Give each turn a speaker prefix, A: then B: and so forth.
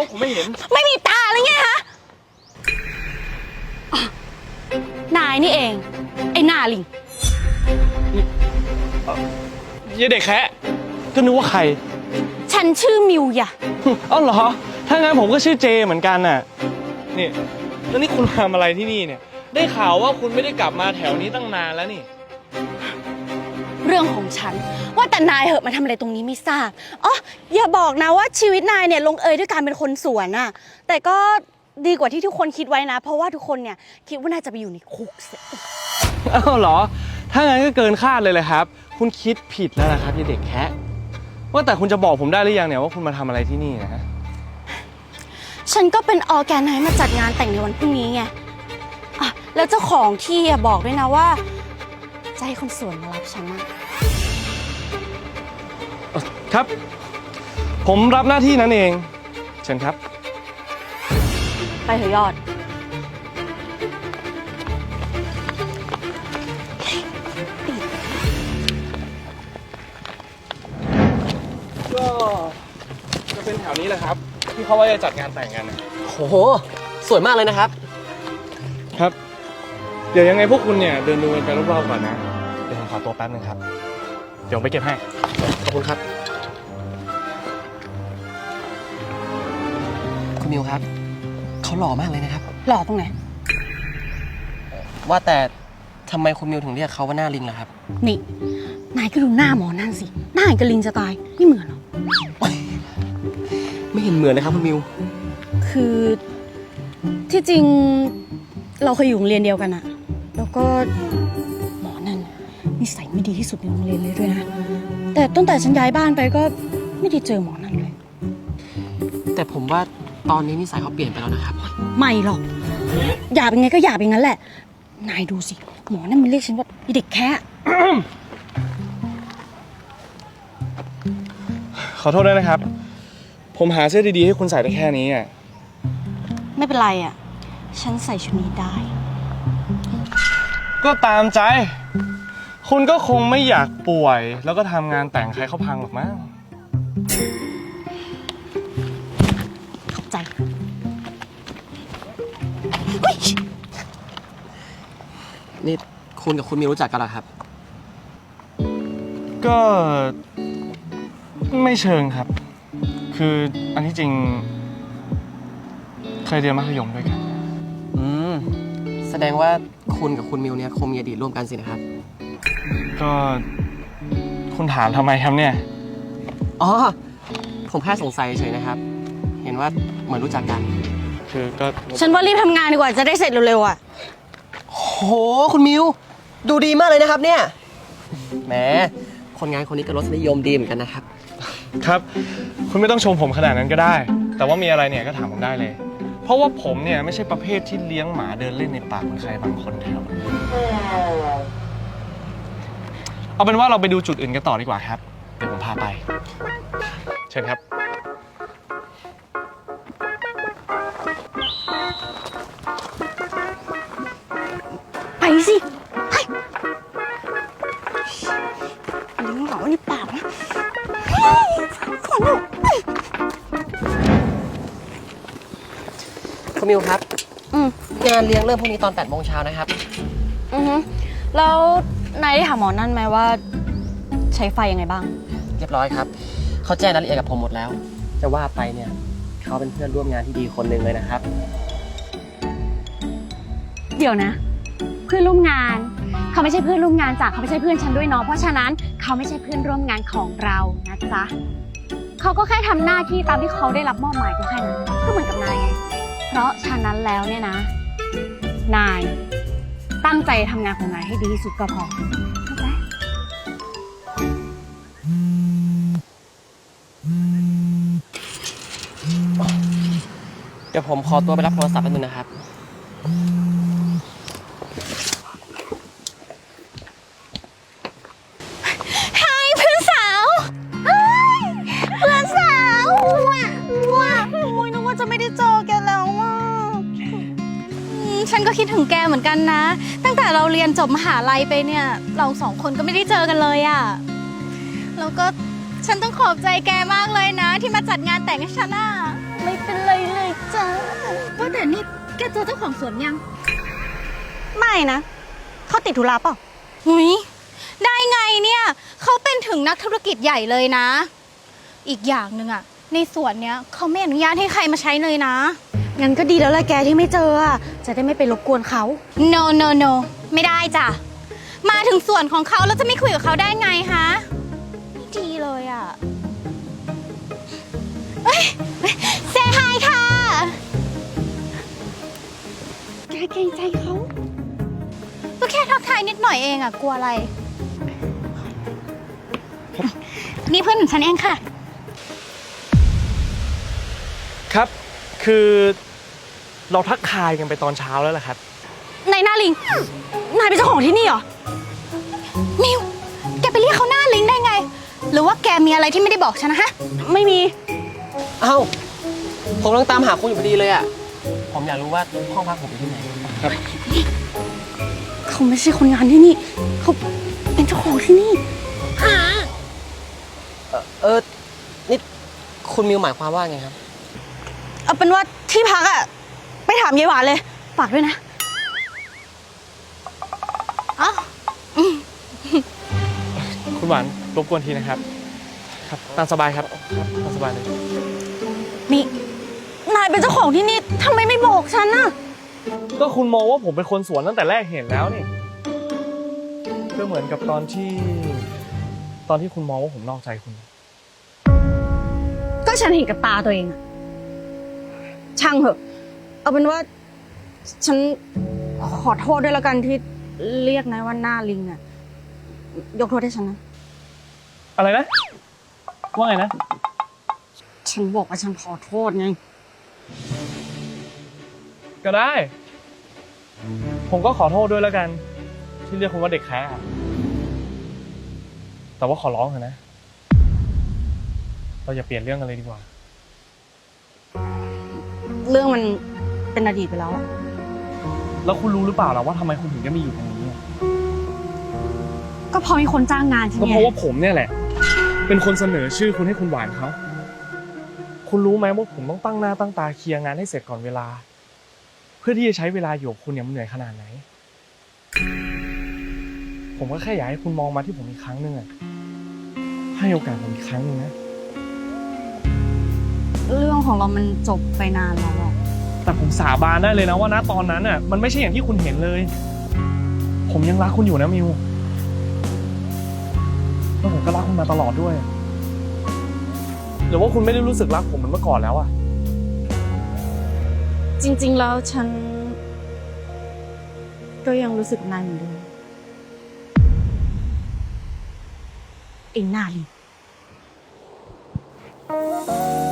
A: ผมไม่เห็น
B: ไม่มีตาเลยไงฮะนายนี่เองไอ้หน้าลิง
A: ยายเด็กแคะก็นึกว่าใคร
B: ฉันชื่อมิวอย่ะ
A: อ้าวเหรอถ้างั้นผมก็ชื่อเจเหมือนกันน่ะนี่แล้วนี่คุณทำอะไรที่นี่เนี่ยได้ข่าวว่าคุณไม่ได้กลับมาแถวนี้ตั้งนานแล้วนี่
B: เรื่องของฉันว่าแต่นายเหอะมาทำอะไรตรงนี้ไม่ทราบอ๋ออย่าบอกนะว่าชีวิตนายเนี่ยลงเอยด้วยการเป็นคนสวนน่ะแต่ก็ดีกว่าที่ทุกคนคิดไว้นะเพราะว่าทุกคนเนี่ยคิดว่านายจะไปอยู่ในคุกเสีย
A: อ้าวเหรอถ้างั้นก็เกินคาดเลยเลยครับคุณคิดผิดแล้วนะครับยายเด็กแคะว่าแต่คุณจะบอกผมได้หรือยังเนี่ยว่าคุณมาทำอะไรที่นี่นะฮะ
B: ฉันก็เป็นออแกไนซ์มาจัดงานแต่งในวันพรุ่งนี้ไงอ่ะแล้วเจ้าของที่บอกด้วยนะว่าจะให้คนสวนมารับฉันนะครับ
A: ผมรับหน้าที่นั้นเองเชิญครับ
B: ไปเถอะยอด
A: ก็จะเป็นแถวนี้แหละครับที่เขาว่าจะจัดงานแต่งกัน
C: โอ้โหสวยมากเลยนะครับ
A: ครับเดี๋ยวยังไงพวกคุณเนี่ยเดินดูกันไปรอบๆก่อนนะเดี๋ยวผมขอตัวแป๊บนึงครับเดี๋ยวผมไปเก็บให้
C: ขอบคุณครับคุณมิวครับเขาหล่อมากเลยนะครับ
B: หล่อตรงไหน
C: ว่าแต่ทำไมคุณมิวถึงเรียกเขาว่าหน้าลิงล่ะครับ
B: นี่นายก็ดูหน้าหมอนั่นสิหน้าอย่างกับลิงจะตายไม่เหมือนหรอ
C: ไม่เห็นเหมือนเลยครับคุณมิว
B: คือที่จริงเราเคยอยู่โรงเรียนเดียวกันอะแล้วก็หมอนั่นนิสัยไม่ดีที่สุดในโรงเรียนเลยด้วยนะแต่ตั้งแต่ฉันย้ายบ้านไปก็ไม่ได้เจอหมอนั่นเลย
C: แต่ผมว่าตอนนี้นิสัยเขาเปลี่ยนไปแล้วนะครับ
B: ไม่หรอกหยาบยังไงก็หยาบอย่างนั้นแหละนายดูสิหมอนั่นมันเรียกฉันว่าเด็กแค่
A: ขอโทษด้วยนะครับผมหาเสื้อดีๆให้คุณใส่ได้แค่นี้อ่ะ
B: ไม่เป็นไรอ่ะฉันใส่ชุดนี้ได้
A: ก็ตามใจคุณก็คงไม่อยากป่วยแล้วก็ทำงานแต่งใครเขาพังหรอกมั้ง
B: ขอบใจ
C: นี่คุณกับคุณมิวรู้จักกันเหรอครับ
A: ก็ไม่เชิงครับคืออันที่จริงเคยเรียนมัธยมด้วยกัน
C: แสดงว่าคุณกับคุณมิวเนี่ยคงมีอดีตร่วมกันสินะครับ
A: ก็คุณถามทำไมครับเนี่ย
C: อ๋อผมแค่สงสัยเฉยนะครับเห็นว่าเหมือนรู้จักกัน
A: คือก็
B: ฉันว่ารีบทำงานดีกว่าจะได้เสร็จเร็วๆอ่ะ
C: โหคุณมิวดูดีมากเลยนะครับเนี่ยแหมคนงานคนนี้ก็รสนิยมดีเหมือนกันนะครับ
A: ครับคุณไม่ต้องชมผมขนาดนั้นก็ได้แต่ว่ามีอะไรเนี่ยก็ถามผมได้เลยเพราะว่าผมเนี่ยไม่ใช่ประเภทที่เลี้ยงหมาเดินเล่นในป่าเหมือนใครบางคนแถวนี้เอาเป็นว่าเราไปดูจุดอื่นกันต่อดีกว่าครับเดี๋ยวผมพาไปเชิญครับ
B: ไปสิไปลิ้นเหงาในปากนะขอหนู
C: คุณมิวครับงานเลี้ยงเริ่มพรุ่งนี้ตอน 8 โมงเช้านะครับ
B: แล้วนายได้ถามหมอนั่นไหมว่าใช้ไฟยังไงบ้าง
C: เรียบร้อยครับเขาแจ้งรายละเอียดกับผมหมดแล้วจะว่าไปเนี่ยเขาเป็นเพื่อนร่วมงานที่ดีคนหนึ่งเลยนะครับ
B: เดี๋ยวนะเพื่อนร่วมงานเขาไม่ใช่เพื่อนร่วมงานเขาไม่ใช่เพื่อนฉันด้วยเนาะเพราะฉะนั้นเขาไม่ใช่เพื่อนร่วมงานของเรานะจ๊ะเขาก็แค่ทำหน้าที่ตามที่เขาได้รับมอบหมายก็แค่นั้นก็เหมือนกับนายไงเพราะฉะนั้นแล้วเนี่ยนะนายตั้งใจทำงานของนายให้ดีที่สุดก็พอเข้าใจ
C: เดี๋ยวผมขอตัวไปรับโทรศัพท์แป๊บนึงนะครับ
B: ฉันก็คิดถึงแกเหมือนกันนะตั้งแต่เราเรียนจบมหาลัยไปเนี่ยเราสองคนก็ไม่ได้เจอกันเลยอ่ะแล้วก็ฉันต้องขอบใจแกมากเลยนะที่มาจัดงานแต่งให้ฉันอ่ะไไม่เป็นไรเลยจ้าว่าแต่นี่แกเจอเจ้าของสวนยัง
D: ไม่นะ เขาติดธุระเปล่าหุยได้ไงเนี่ย เขาเป็นถึงนักธุรกิจใหญ่เลยนะ อีกอย่างหนึ่งอะในสวนเนี้ยเขาไม่อนุญาตให้ใครมาใช้เลยนะ
B: งั้นก็ดีแล้วแหละแกที่ไม่เจออะจะได้ไม่ไปรบกวนเขา
D: no no no ไม่ได้จ้ะ มาถึงสวนของเขาแล้วจะไม่คุยกับเขาได้ไงคะไม่ดีเลยอะเอ้ยเซฮายค่ะ
B: แกเกรงใจเขา
D: ก็แค่ทักทายนิดหน่อยเองอะกลัวอะไร นี่เพื่อนของฉันเองค่ะ
A: ครับ คือเราทักทายกันไปตอนเช้าแล้วแหละครับ
B: นายหน้าลิง นายเป็นเจ้าของที่นี่เหรอ
D: มิว แกไปเรียกเขาหน้าลิงได้ไง หรือว่าแกมีอะไรที่ไม่ได้บอกฉันนะฮะ
B: ไม่มี
C: เอ้า ผมกำลังตามหาคุณอยู่พอดีเลยอ่ะ ผมอยากรู้ว่าห้องพักผมอยู่ที่ไหน
B: เขาไม่ใช่คนงานที่นี่ เขาเป็นเจ้าของที่นี่
C: นี่คุณมิวหมายความว่าไงครับ
B: เอาเป็นว่าที่พักอะไปถามยายหวานเลย ฝากด้วยนะ
D: อ้าว
A: คุณหวานรบกวนทีนะครับ ครับตามสบายครับตามสบายเลย
B: นี่ นายเป็นเจ้าของที่นี่ทำไมไม่บอกฉันน่ะ
A: ก็คุณมองว่าผมเป็นคนสวนตั้งแต่แรกเห็นแล้วนี่ก็เหมือนกับตอนที่คุณมองว่าผมนอกใจคุณ
B: ก็ฉันเห็นกับตาตัวเองอะช่างเหอะ เอาเป็นว่า ฉันขอโทษด้วยแล้วกันที่เรียกนายว่าหน้าลิงอะยกโทษให้ฉันนะ
A: อะไรนะ ว่าไงนะ
B: ฉันบอกว่าฉันขอโทษไง
A: ก็ได้ ผมก็ขอโทษด้วยแล้วกัน ที่เรียกคุณว่าเด็กแค่แต่ว่าขอร้องเถอะนะ เราอย่าเปลี่ยนเรื่องกันเลยดีกว่า
B: เรื่องมันเป็นอดีตไปแล้วอะ
A: แล้วคุณรู้หรือเปล่าล่ะว่าทำไมคุณถึงจะมีอยู่ตรงนี้อะ
B: ก็เพราะมีคนจ้างงานฉัน
A: ก็
B: ไง
A: เพราะว่าผมเนี่ยแหละ เป็นคนเสนอชื่อคุณให้คุณหวานเขา คุณรู้ไหมว่าผมต้องตั้งหน้าตั้งตาเคลียร์งานให้เสร็จก่อนเวลา เพื่อที่จะใช้เวลาอยู่กับคุณเนี่ยมันเหนื่อยขนาดไหน ผมก็แค่อยากให้คุณมองมาที่ผมอีกครั้งหนึ่งอะให้โอกาสผมอีกครั้งหนึ่งนะ
B: เรื่องของเรามันจบไปนานแล้วอะ
A: แต่ผมสาบานได้เลยนะว่าณตอนนั้นน่ะมันไม่ใช่อย่างที่คุณเห็นเลย ผมยังรักคุณอยู่นะมิวแล้วผมก็รักคุณมาตลอดด้วย หรือว่าคุณไม่ได้รู้สึกรักผมเหมือนเมื่อก่อนแล้วอะ
B: จริง ๆ แล้วฉัน ก็ยังรู้สึกนายเหมือนเดิมไอ้หน้าลิง